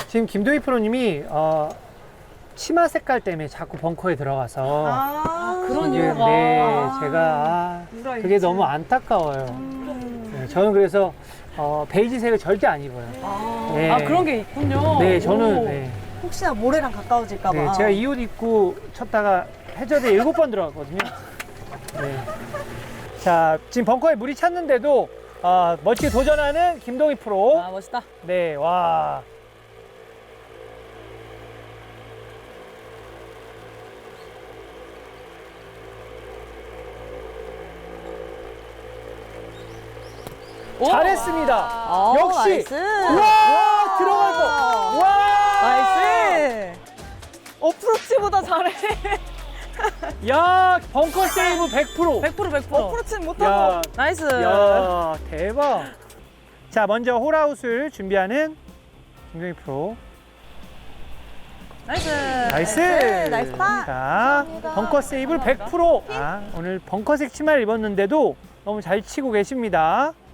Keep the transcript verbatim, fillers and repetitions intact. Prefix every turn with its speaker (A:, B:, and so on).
A: 지금 김도희 프로님이 어, 치마 색깔 때문에 자꾸 벙커에 들어가서
B: 아,
C: 그런
A: 지금,
C: 이유가.
A: 네, 제가 아,
B: 누가
A: 그게
B: 있지?
A: 너무 안타까워요.
B: 음.
A: 네, 저는 그래서 어, 베이지색을 절대 안 입어요.
B: 아,
A: 네.
C: 아, 그런 게 있군요.
A: 네, 저는
C: 오.
A: 네.
B: 혹시나 모래랑 가까워질까봐.
A: 네, 제가 이 옷 입고 쳤다가 해저드에 일곱 번 들어갔거든요. 네. 자, 지금 벙커에 물이 찼는데도 어, 멋지게 도전하는 김동희 프로.
C: 아, 멋있다.
A: 네, 와.
C: 오.
A: 잘했습니다.
B: 아,
A: 역시.
B: 나이스.
A: 와, 들어갈 거. 와.
B: 나이스. 어프로치보다 잘해.
A: 야, 벙커 세이브 백 퍼센트.
C: 백 퍼센트 백 퍼센트.
B: 어프로치는 못하고.
A: 야,
C: 나이스.
A: 야, 대박. 자, 먼저 홀아웃을 준비하는 김동희 프로.
C: 나이스.
A: 나이스.
B: 나이스 파.
A: 자, 벙커 세이브를 백 퍼센트. 아, 오늘 벙커색 치마를 입었는데도 너무 잘 치고 계십니다.